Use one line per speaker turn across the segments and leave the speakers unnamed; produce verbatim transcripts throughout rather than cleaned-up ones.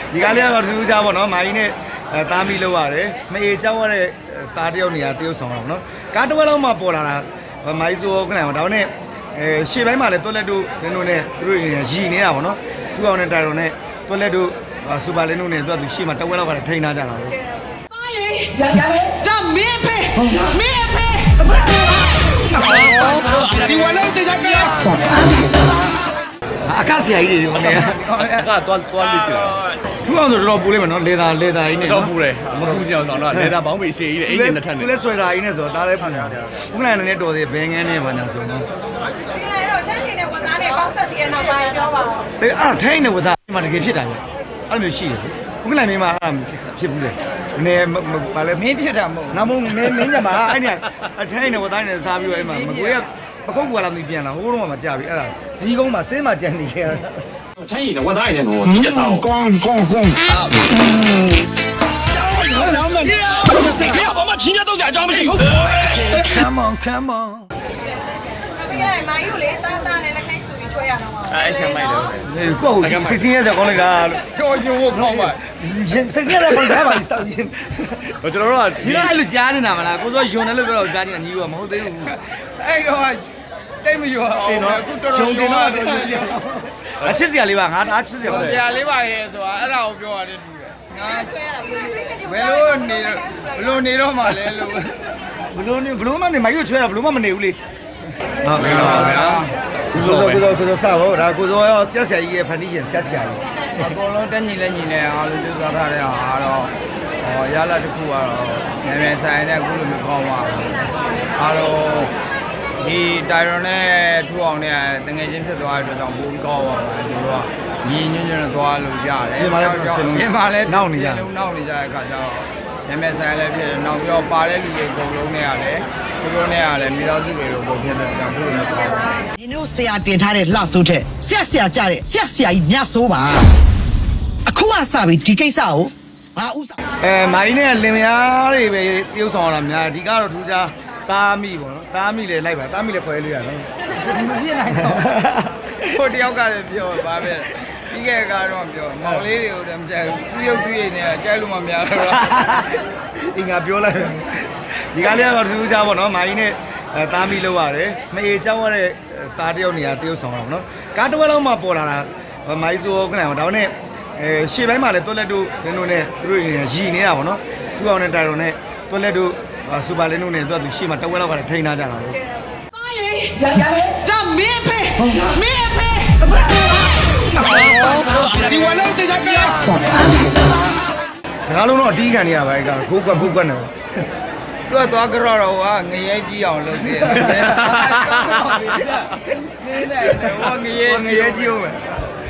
ဒီကားလေးကတော့ထူးထူးခြားပေါ့နော်မာကြီးနဲ့အဲတားမီလောက်ရတယ်မအေကြောက်ရတဲ့တားတယောက်နေရာတယောက်ဆောင်တော့နော်ကားတစ်ဝက်လုံးမှပေါ်လာတာမာကြီးဆိုခဏအောင်ဒါနဲ့အဲရှေ့ပိုင်းမှာလည်းတွက်လက်တို့နင်းတို့နဲ့သူတို့ရည်နေတာပေါ့နော်ထူအောင်နဲ့တိုင်တော်နဲ့တွက်လက်တို့စူပါလင်းတို့နဲ့သူကသူရှေ့မှာတစ်ဝက်လောက်ကလည်းထိန်းထားကြတာပဲ
ဒါမင်းဖေမင်းဖေဒီဝလေးတေးကြက
အခက်ဆရာကြီးတွေမနေ
အခါတော့တော့လိကျတယ်
ထူအောင်ဆိုတော်တော်ပူလိုက်မယ်နော်လေသာလေသာကြီးနဲ့
တော့ပူတယ်မပူကြအောင်ဆောင်တော့လေသာဘောင်းပေရှည်ကြီးတယ်အိမ်နဲ့ထက်နေ
သူလည်းဆွဲတာကြီးနဲ့ဆိုတော့ဒါလည်းပူတယ်ဥက္ကဋ္ဌနဲ့တော်သေးဘယ်ငန်းနဲ့ပါညာဆိုတော့
ဒီလေတော့ချမ်းရှင်နဲ့ဝသားနဲ့ပေါင်းဆက်ပြီးနောက်ပိုင်းပြောပါဦး
အေးအဲ့ထိုင်းနဲ့ဝသားဒီမှာတကယ်ဖြစ်တာပဲအဲ့လိုမျိုးရှိတယ်ဥက္ကဋ္ဌမင်းမအဲ့ဖြစ်ဘူးလေနေဘာလဲ
မင်းဖြစ်တာမဟုတ်
ငါမုံမင်းမင်းညမှာအဲ့ဒီအထိုင်းနဲ့ဝသားနဲ့စားပြီးတော့အဲ့မှာမကွေးကပကုတ်ကွာလာမပြန်လာဟိုးတော့မှကြာပြီအဲ့ဒါဇီးကုန်းမှာဆင်းမှကြံနေခဲ့တာ
ထိုင်းရင်ဝသားရင်တော့ကြီးကျစား
ကောင်းကောင်းကောင်း
老们，不要把我们亲家都在装不起。
Come on, come on。
ပြီးလိုက်မာယူလေတားတာနဲ့လက်ခိုင်းဆူပြီးချွဲရတော့မှာ
အဲ့ဆံမိုက်တော့
ကိုယ့်ကိုစိတ်ဆင်းရဲစရာကောင်းလိုက်တာ
ကြောရှင်ဝခေါင်းပါ
စိတ်ဆင်းရဲကောင်းတယ်ပါစောက်ရင်
ကျွန်တော်တို့က
ဒီလိုအဲ့လိုကြားနေတာမလားကိုစောယွန်တယ်လို့ပြောတော့ကြားနေတာညီကမဟုတ်သေးဘူး
အဲ့တော့တိတ်မယွအောင်အခုတော်တော်ယွန်တော့
အချစ်စရာလေးပါငါအားချစ်စရာ
ပါတရားလေးပါရဲ့ဆိုတာအဲ့ဒါကိုပြောရတယ်တူတယ်
ငါချွဲရတာပြီးလိုက်ပြိဿ
ဘယ်လိုနေဘယ်လိုနေတော့မှလဲလို့
ဘယ်လိုနေဘယ်လိုမှနေမရွှေချွဲတာဘယ်လိုမှမနေဘူးလေ
ဟုတ်ပြီပါဗျာ
ကိုစောကိုစောကိုစောစားဖို့ဒါကိုစောရောဆက်ဆရာကြီးရဲ့ဖန်တီးရှင်ဆက်ဆရာကြီး
အကုန်လုံးတက်ညီလက်ညီနဲ့အားလုံးကြိုးစားထားတဲ့အားတော့ဟောရလာတစ်ခုကတော့ငယ်ငယ်ဆိုင်နဲ့အခုလိုမျိုးကောင်းပါအားလုံးဒီတိုင်ရွန်နဲ့ထူအောင်နဲ့တငယ်ချင်းဖြစ်သွားတဲ့အတွက်ကြောင့်ပိုပြီးကောင်းပါပါဒီလိုကညီညွတ်ညွတ်နဲ့သွားလို့ရတယ်
ဒီမှာလည်း
ဒီမှာလည်း
နောက်နေရတယ်
လုံးနောက်နေကြတဲ့အခါကျတော့ငယ်ငယ်ဆိုင်လည်းဖြစ်တယ်နောက်ပြီးတော့ပါတဲ့လူတွေအကုန်လုံးနဲ့ကလည်းသူတို့နဲ့ကလည်းမိသားစုတွေလိုပုံဖြစ်တဲ့ကြောင့်သူတို့နဲ့ပေါ့
ဒီလိုဆရာတင်ထားတဲ့လှဆိုးတဲ့ဆရာဆရာကြတဲ့ဆရာဆရာကြီးမြတ်ဆိုးပါအခုကစပြီဒီကိစ္စကိုငါဥစား
အဲမိုင်းနဲ့လင်မယားတွေပဲတရုပ်ဆောင်ရတာများဒီကတော့ထူးခြားတားမိပေါ့နော်တားမိလေလိုက်ပါတားမိလေခွဲလို့ရနော်
မဖြစ်နိုင်တော့ဟိုတယောက်ကလည်းပြောပါပဲပြီးခဲ့ကတော့ပြောမောင်လေးတွေကိုတည်းမကြိုက်ဘူးသူရုပ်သူရည်နဲ့ကြိုက်လို့မများတော့
အင်္ဂါပြောလိုက်ဒီကားလေးကတော့ထူးခြားပေါ့နော်မာကြီးနဲ့အဲတားမိလောက်ရတယ်မအေကြောက်ရတဲ့တားတယောက်နေရာတယောက်ဆောင်တော့နော်ကားတစ်ဝက်လုံးမှပေါ်လာတာမာကြီးဆိုခဏအောင်ဒါနဲ့အဲရှေ့ပိုင်းမှာလည်းတွက်လက်တို့နင်းတို့နဲ့သူတို့ရည်နေတာပေါ့နော်ထူအောင်နဲ့တိုင်တော်နဲ့တွက်လက်တို့စူပါလင်းတို့နဲ့သူကသူရှေ့မှာတစ်ဝက်လောက်ကလည်းထိန်းထားကြတာပဲ
ဒါမင်းဖေမင်းဖေ
ဒီဝလေးတေးကြက
ဒါကလုံးတော့အတီးခံနေရပါပဲကခိုးကွက်ခိုးကွက်နေ
သူကသွားကြတော့တော့ကငရဲကြီးအောင်လုပ်သေးတယ်နင်းနေတယ်ဟောငရဲ
ငရဲကြီးအောင်ပဲ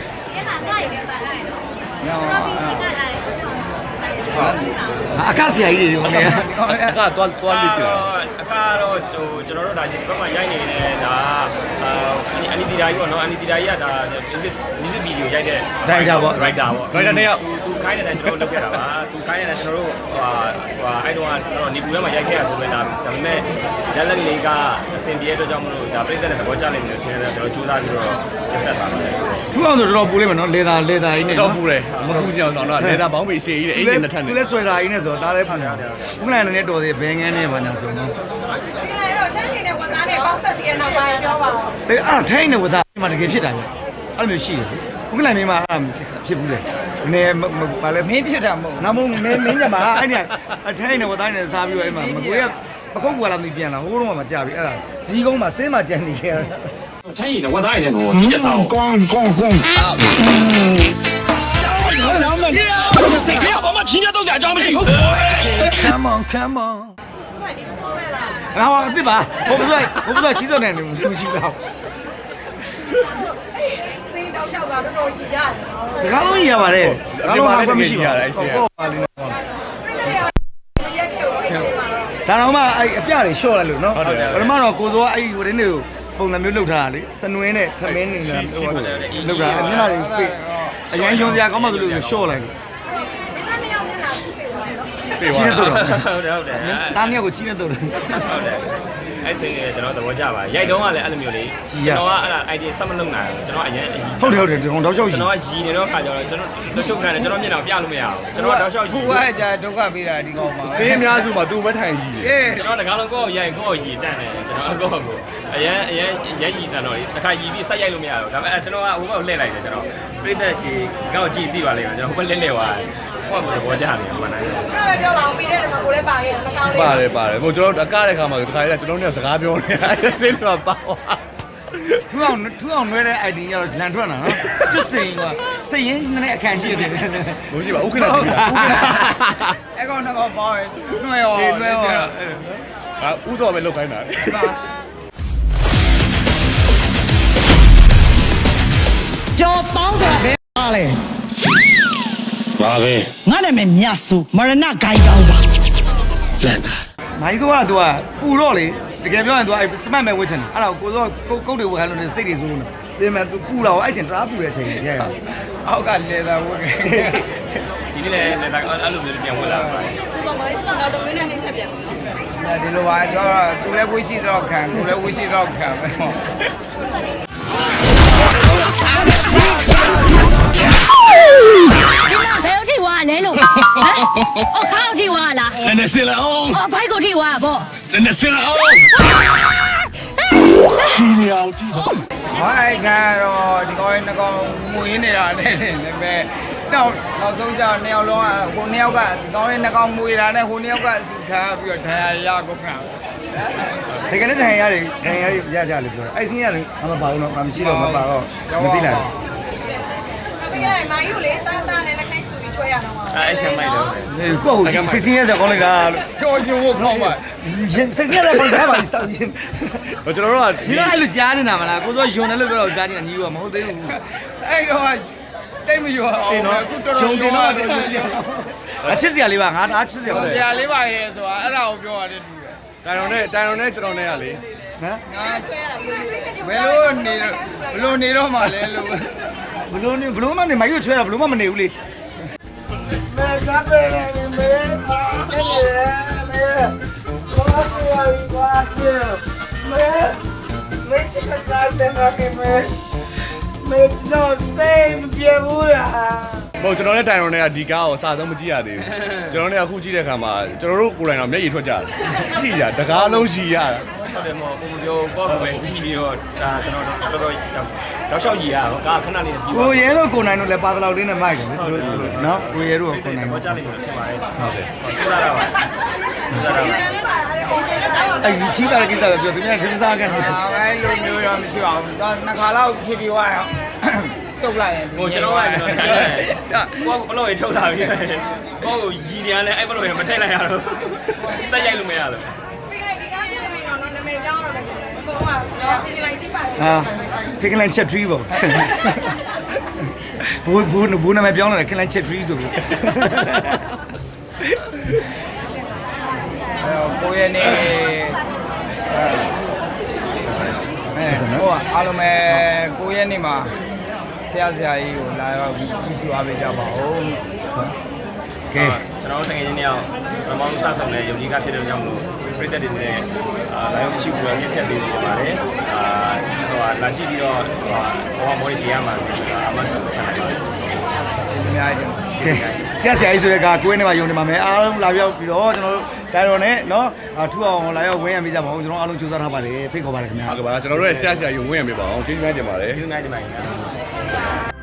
အခက်ဆရာကြီးတွေမနေ
အခါတော့တော့လိကျတယ်အခါတော့ဟိုကျွန်တော်တို့ဒါဒီဘက်မှာရိုက်နေတဲ့ဒါအနီတီဒါကြီးပေါ့နော်အနီတီဒါကြီးကဒါ music music video ရိုက်တဲ့
director ပေါ့
director ပေါ့ director နဲ့သူခိုင်းတဲ့ကျွန်တော်လုပ်ခဲ့တာပါသူခိုင်းတဲ့ကျွန်တော်တို့ဟိုဟိုအဲ့တော့တော့နေပူထဲမှာရိုက်ခဲ့ရဆိုပေမဲ့ဒါဒါပေမဲ့လက်လက်လေးကအဆင်ပြေတဲ့အတွက်ကြောင့်မလို့ဒါပြည့်တဲ့သဘောကျလိမ့်မယ်လို့ထင်တယ်ကျွန်တော်ကြိုးစားပြီးတော့ရက်ဆက်ပါမယ်
ထူအောင်ဆိုတော်တော်ပူလိုက်မယ်နော်လေသာလေသာကြီးနဲ့
တော့ပူတယ်မပူကြအောင်ဆောင်တော့လေသာဘောင်းပေရှည်ကြီးတယ်အိမ်နဲ့ထက်နေ
သူလည်းဆွဲတာကြီးနဲ့ဆိုတော့ဒါလည်းပူတယ်ဥက္ကဋ္ဌနဲ့တော်သေးဘယ်ငန်းနဲ့ပါညာဆိုတော့
ဒီလေတော့ချမ်းရှင်နဲ့ဝသားနဲ့ပေါင်းဆက်ပြီးနောက်ပိုင်းပြောပါဦး
အေးအဲ့ထိုင်းနဲ့ဝသားဒီမှာတကယ်ဖြစ်တာပဲအဲ့လိုမျိုးရှိတယ်ဥက္ကဋ္ဌမင်းမအဲ့ဖြစ်ဘူးလေနေဘာလဲ
မင်းဖြစ်တာမဟုတ်
ငါမုံမင်းမင်းညမှာအဲ့ဒီအထိုင်းနဲ့ဝသားနဲ့စားပြီးတော့အဲ့မှာမကွေးကပကုတ်ကွာလာမပြန်လာဟိုးတော့မှကြာပြီအဲ့ဒါဇီးကုန်းမှာဆင်းမှကြံနေခဲ့တာ
ထိုင်းရင်ဝသားရင်တော့ကြီးကျစား
ကောင်းကောင်းကောင်း
老们，不要把我们亲家都在装不起。
Come on, come on。
然后对吧？我不知道，我不知道骑着呢，你们知不知道？
စိတ်တောက်လျှောက်တာတော်တော်ရှိရတယ်
ဒီကားလုံးကြီးရပါတယ်ကားလုံးမှာမရှိပါဘူးဟုတ်ပါလိမ့်မယ်ဒါတော့မှအဲ့အပြတွေလျှော့လိုက်လို့နော်ပထမတော့ကိုစောအဲ့ဒီဝင်းတွေကိုပုံစံမျိုးလှုပ်ထားတာလေစနွင်းနဲ့ထမင်းနေနဲ့လှုပ်တာမျက်နှာတွေပြည့်အရင်ရှုံစရာကောင်းမှဆိုလို့လျှော့လိုက်
ဒီသားနှစ်ယောက်မျက်နှာရှိပြီပါတော့
ချီးနေတော့
ဟုတ်တယ်ဟုတ်တယ်
တားနှစ်ယောက်ကိုချီးနေတော့ဟုတ်တယ်
အဲ့စင်းလေးကျွန်တော်သဘောကျပါရိုက်တော့ကလည်းအဲ့လိုမျိုးလေးကျွန်တော်ကအဲ့ဒါ idea ဆက်မလုပ်နိုင်ဘူးကျွန်တော်အရင်
ဟုတ်တယ်ဟုတ်တယ်ဒီကောင်တောက်ချောက်
ကျွ
ရှိ
န်တော်ကရည်နေတော့ခါကျတော့ကျွန်တော်တို့ချုပ်ခံတယ်ကျွန်တော်မျက်နှာပြလို့မရဘူးကျွန်တော်တော့ရှောက်ရည်
ခုကကြာဒုက္ခပေးတာဒီကောင်ပါ
ဆေးအများစုမှာသူ့ဘက်ထိုင်ကြီး
အေး
ကျွန်တော်တကားလုံးကိုယ့်ကိုရိုက်ကိုယ့်ကိုရည်တန့်တယ်ကျွန်တော်ကိုယ့်ကိုအရင်အရင်ရဲရည်တန့်တော့တခါရည်ပြီးဆက်ရိုက်လို့မရဘူးဒါပေမဲ့ကျွန်တော်ကဟိုဘက်ကိုလှည့်လိုက်တယ်ကျွန်တော်ပြိတ္တကြီးကောက်ကြည့်သိပါလိမ့်မယ်ကျွန်တော်ဟိုဘက်လှည့်လှည့်သွားတယ်ဟိုကဘောကြတယ်မှန်တယ်
ပြောလဲပြောပါအောင်ပြီးတဲ့တမှာကိုလည်းပါခဲ့မကောင်းလေး
ပါတယ်ပါတယ်ဟိုကျွန်တော်အကားတဲ့ခါမှာတခါကျကျွန်တော်တို့စကားပြောနေတာဆေးတွေပါသွား
ထူအောင်ထူအောင်နွဲတဲ့ idea ကတော့လန်ထွက်လာနော်ကျွတ်စိန်ကစိတ်ရင်းနဲ့အခန့်ရှိတယ်
မရှိပါဥက္ကဋ္ဌကြီးလား
အဲ့ကောင်တော့ပေါ့နှွဲရော
နှွဲရော
ဟာဥတော်ပဲလောက်ခိုင်းတာ
ကြော်တောင်းဆိုတာဘယ်ပါလဲ
ပါပဲ
ငါနာမည်မြတ်ဆိုမရဏဂိုင်းတောင်းစာ
လန့်တာ
မိုင်းဆိုကသူကပူတော့လေတကယ်ပြောရင်သူကစမတ်မဲ့ဝှက်ချင်တယ်အဲ့ဒါကိုကိုစောကုတ်တွေဝှက်ခိုင်းလို့စိတ်တွေစိုးနေပြင်မဲ့သူပူတော့အဲ့ချင်းတရာပူတဲ့အချိန်ကြီးရရ
အောက်ကလေသာဝတ်ခဲ့
ဒီနေ့လည်းလည်းအဲ့လိုမျိုးပြန်ဝင်လာပါတယ်
ဒီမှာမိုင်းဆိုတော့တမင်းနဲ့နှိမ့်ဆက်ပြန်ပါနော်
ဒီလိုပါတော့သူလည်းဝိရှိတော့ခံသူလည်းဝိရှိတော့ခံပဲဟော
ဒီမှာဘယ်အထိဝါလဲလို့ဟမ်အော်ခါအထိဝါလား
နည်းနည်းစလာအောင်
အော်ဘိုက်ကိုထိဝါပေါ့
နည်းနည်းစလာအောင်ဒီနေအောင်ဒီ
ဟောအဲ့ကတော့ဒီကောင်နှစ်ကောင်မွေးနေတာနဲ့လည်းပဲတော့နောက်ဆုံးကျနှစ်ယောက်လုံးကဟိုနှစ်ယောက်ကဒီကောင်လေးနှစ်ကောင်မွေးတာနဲ့ဟိုနှစ်ယောက်ကစီခါပြီးတော့ဒဏ်ရာရကုန်တာ
တကယ်လည်းတန်ရတယ်တန်ရရကြလေပြောတယ်အဲ့စင်းရလေမပါဘူးတော့မရှိတော့မပါတော့မသိလိုက်
ပြီးလိုက်မိုင်းကိုလေတာတာနဲ့လက်ခိုင်းဆိုပြီးချွဲရတော့မှာ
အဲ့ဆံမိုက်တော့
ဘူးကိုဟုတ်စိတ်စင်းရစကောင်းလိုက်တာ
တော်ရှင်ဝတ်ခေါင်းပါ
ရင်စိတ်စင်းရကောင်းထားပါစောက်ရင်
ကျွန်တော်တို့က
ဒီတော့အဲ့လိုကြားနေတာမလားကိုစောယုံတယ်လို့ပြောတော့ကြားနေတာညီကမဟုတ်သေးဘူး
အဲ့တော့တိတ်မရွာအောင်အခုတော်တော်
ယုံတယ်တော့အချစ်စရာလေးပါငါအားချစ်စရာပါ
ကြာလေးပါရဲ့ဆိုတာအဲ့ဒါကိုပြောရတယ်တူတယ်
တိုင်တော်နဲ့တိုင်တော်နဲ့ကျွန်တော်နဲ့ကလေ
ဟမ်
ငါချွဲရတာဘယ်လိုနေဘယ်လိုနေတော့မှလဲလို့
ဘလို့နေဘလို့မနေမယူချွဲတာဘလို့မမနေဘူးလေမဲကပ်ပဲနေမဲအဲ့ဒီမဲဘာလို့ရပါ့မဲမဲချစ်ကကားတဲ့နာကေမဲမဲတော့စိတ်မပြေဘူးလား
ဟိုကျွန်တော်နဲ့တိုင်တော်နဲ့ကဒီကားကိုစာဆုံးမကြည့်ရသေးဘူးကျွန်တော်နဲ့အခုကြည့်တဲ့အခါမှာကျွန်တော်တို့ကိုယ်တိုင်တော့မျက်ရည်ထွက်ကြတယ်ကြည့်ရတကားလုံးရှိရတာ
ဟုတ်တယ်မော်ကိုပြောကောက်ပဲကြည့်ပြီးတော့ဒါကျွန်တော်တော်တော်တောက်လျှောက်ရည်ရတော့ကာခဏလေးပြီး
ကိုရဲတို့ကိုနိုင်တို့လည်းပါတလောက်လေးနဲ့မိုက်တယ်လေသူတို့နော်ကိုရဲတို့ကကိုနိုင်
ဘော
တို့
ကြလိမ့်မယ်ဖြစ်ပါတယ်ဟုတ်တယ်ဟုတ်ကဲ့လာပါလာပါ
အဲ့ဒီကြီးတာကိစ္စပဲပြောသူများခင်းစားကန်တယ်
အဲ့လိုမျိုးရောမရှိပါဘူးတော့နှစ်ခါလောက်ဖြည်းဖြည်းသွားရောတုတ်လိုက်ရင်
ဟိုကျွန်တော်ကကျွန်တော်ထိုင်တယ်ကိုကဘလို့ရထုတ်လာပြီကိုကိုရည်ပြန်လဲအဲ့ဘလို့ရမထည့်လိုက်ရတော့စက်ရိုက်လို့မရလို့
ပြီးလိုက်ဒီကားပြင်နေတော့နာမည်ပြောင်းတော့တယ်အကုန်လုံးကတော့ပြင်လိုက်ကြည့်ပါလေ
ဟာဖိကလန်ချက်ထရီပေါ့ဘူးဘူးဘူးနာမည်ပြောင်းလာတယ်ခလန်ချက်ထရီဆိုပြီး
ကိုရနေအဲဟိုအားလုံးပဲကိုရနေမှာဆရာဆရာကြီးကိုလာရောက်ပြီးကြည့်ရှုအားပေးကြပါဦး
ကဲ
ကျွန်တော်တကယ်ချင်းတယောက်ပမောင်းစဆောင်တဲ့ယုံကြည်ကဖြစ်တဲ့ကြောင့်မလို့ပြည့်တဲ့တွေနဲ့အာလာရောက်ရှိပြီးတော့မြင့်ဖြတ်ပေးနေပါတယ်အာဟိုလာကြည့်ပြီးတော့ဟိုမော်ရီရမှာအမှန်တော့ခံနိုင်ပါတယ်
ဒီအများကြီး
ကဲဆရာဆရာကြီးဆိုတဲ့ကကိုယ်နဲ့မှယုံနေပါမယ်အားလုံးလာပြောက်ပြီးတော့ကျွန်တော်တို့တိုင်တော်နဲ့နော်ထူအောင်လာရောက်ဝင်းရမိကြပါဦးကျွန်တော်အားလုံးကြိုးစားထားပါတယ်ဖိတ်ခေါ်ပါတယ်ခင်ဗျာ
ဟုတ်ကဲ့ပါကျွန်တော်တို့ရဲ့ဆရာဆရာယူဝင်ရပြပါအောင်ကျေးဇူးများတင်ပါတယ်
ဒီနေ့ဒီမှာ